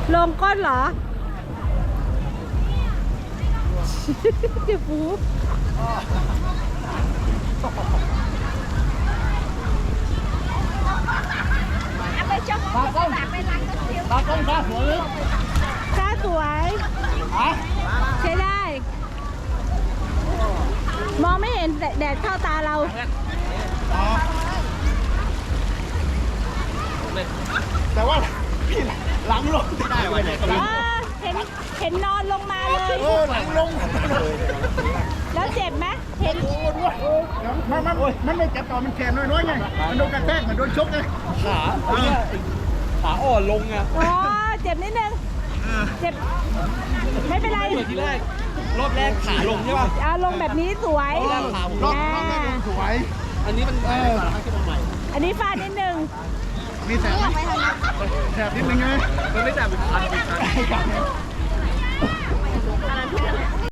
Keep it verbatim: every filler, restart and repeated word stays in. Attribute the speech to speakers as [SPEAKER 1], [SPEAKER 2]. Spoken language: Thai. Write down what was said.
[SPEAKER 1] ลงก้นเหรอ เจ็บหูไปชมตากล้องตากล้องตาสวยตาสวยใช้ได้ มองไม่เห็นแดดเข้าตาเรา
[SPEAKER 2] แต่ว่าพี่หลังลงไม่ได้วันไหนก็ได้
[SPEAKER 1] เห็นเห็นนอนลงมาเลย
[SPEAKER 2] เออหลังลง
[SPEAKER 1] แล้วเจ็บไหมเห็น
[SPEAKER 2] มันมันมันไม่จับต่อมันแขนน้อยๆไงมันโดนกระแทกมันโดนชกไงขาขาอ่อนลงไง
[SPEAKER 1] อ๋อเจ็บนิดนึงเจ็บไม่เป็นไร
[SPEAKER 2] ทีแรกรอบแรกขาลงใช่ป่ะ
[SPEAKER 1] เอาลงแบบนี้สวย
[SPEAKER 2] รอบรอบรอบแรกลงสวยอันนี้มันเออ
[SPEAKER 1] อันนี้ฟาดนิดนึง
[SPEAKER 2] มีแสบไหมแสบนิดนึงไงมันไม่แสบเป็นคันเป็นคัน